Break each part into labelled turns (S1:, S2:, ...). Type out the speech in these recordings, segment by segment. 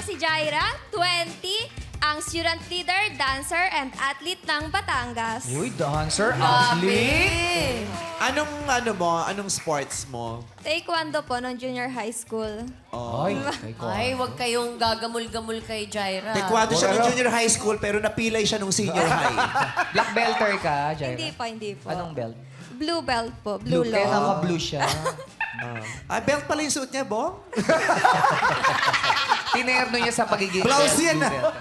S1: si Jaira, 20, ang student leader, dancer, and athlete ng Batangas.
S2: Uy, dancer, athlete.
S3: Anong sports mo?
S1: Taekwondo po, nung junior high school.
S2: Ay,
S4: Ay, wag kayong gagamul-gamul kay Jaira.
S3: Taekwondo siya nung junior high school, pero napilay siya nung senior high.
S2: Black belter ka, Jaira?
S1: Hindi po.
S2: Anong belt?
S1: Blue belt po, blue
S2: Kaya
S1: law.
S2: naka-blue siya.
S3: Belt pala yung suit niya, Bong?
S2: Tinerno niya sa pagiging
S3: Blouse
S2: belt,
S3: yan,
S2: blue
S3: ah.
S2: belter.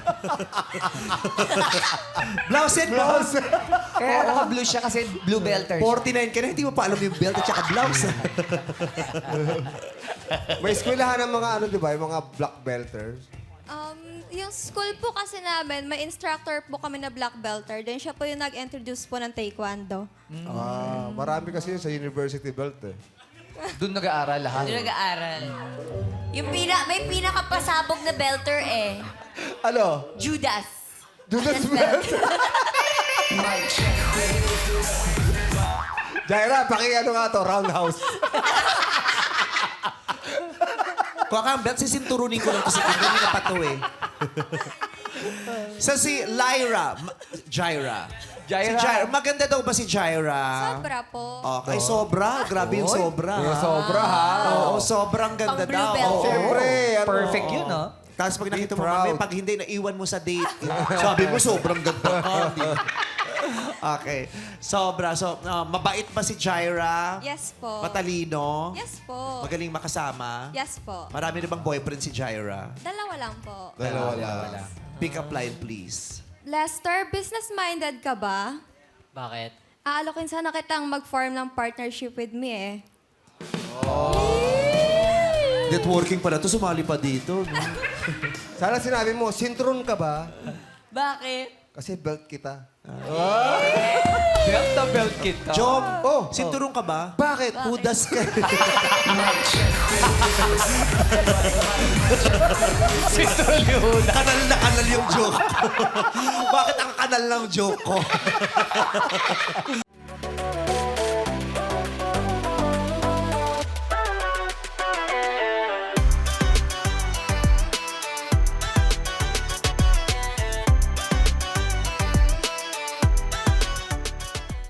S3: Blouse yan, Bong?
S2: Kaya naka-blue siya kasi blue belter siya.
S3: 49 ka na, hindi mo pa alam yung belt at saka blouse.
S5: May eskwelahan ng mga di ba? Yung mga black belters.
S1: Yung school po kasi namin, may instructor po kami na black belter. Then siya po yung nag-introduce po ng Taekwondo.
S5: Marami kasi yun sa university belt eh.
S2: Doon nag-aaral lahat.
S4: Doon nag-aaral. May pinakapasabog na belter eh.
S5: Ano?
S4: Judas.
S5: Judas belt? Jaira, ano nga to? Roundhouse.
S3: Kuha ka ang belt, sisinturunin ko lang kasi hindi na pa to eh. Si Lyra, Jaira.
S2: Jaira.
S3: Si Jaira. Maganda daw ba si Jaira?
S1: Sobra po.
S3: Okay, sobra. Grabe yung sobra.
S5: Yung sobra, ha?
S3: Oo, sobrang ganda
S4: Pang blue
S3: daw.
S4: belt.
S3: Oo.
S5: Siyempre, ano?
S2: Perfect yun, no?
S3: Tapos pag nakita mo
S5: proud.
S3: kami, pag hindi, naiwan mo sa date. Sabi mo, sobrang ganda ka. Okay. Sobra. So, mabait ba si Jaira?
S1: Yes po.
S3: Matalino?
S1: Yes po.
S3: Magaling makasama?
S1: Yes po.
S3: Marami na bang boyfriend si Jaira?
S1: Dalawa lang po.
S5: Wala.
S3: Pick up line, please.
S1: Lester, business-minded ka ba?
S6: Bakit?
S1: Aalokin sana kitang mag-form ng partnership with me eh.
S3: Networking pala to, sumali pa dito. No?
S5: Sana sinabi mo, sintron ka ba?
S4: Bakit?
S5: Kasi belt kita.
S2: Belt na belt kita.
S3: Jom,
S5: Oh.
S3: sinturong ka ba? Bakit? Udas ka. Kanal na kanal yung joke ko. Bakit ang kanal ng joke ko?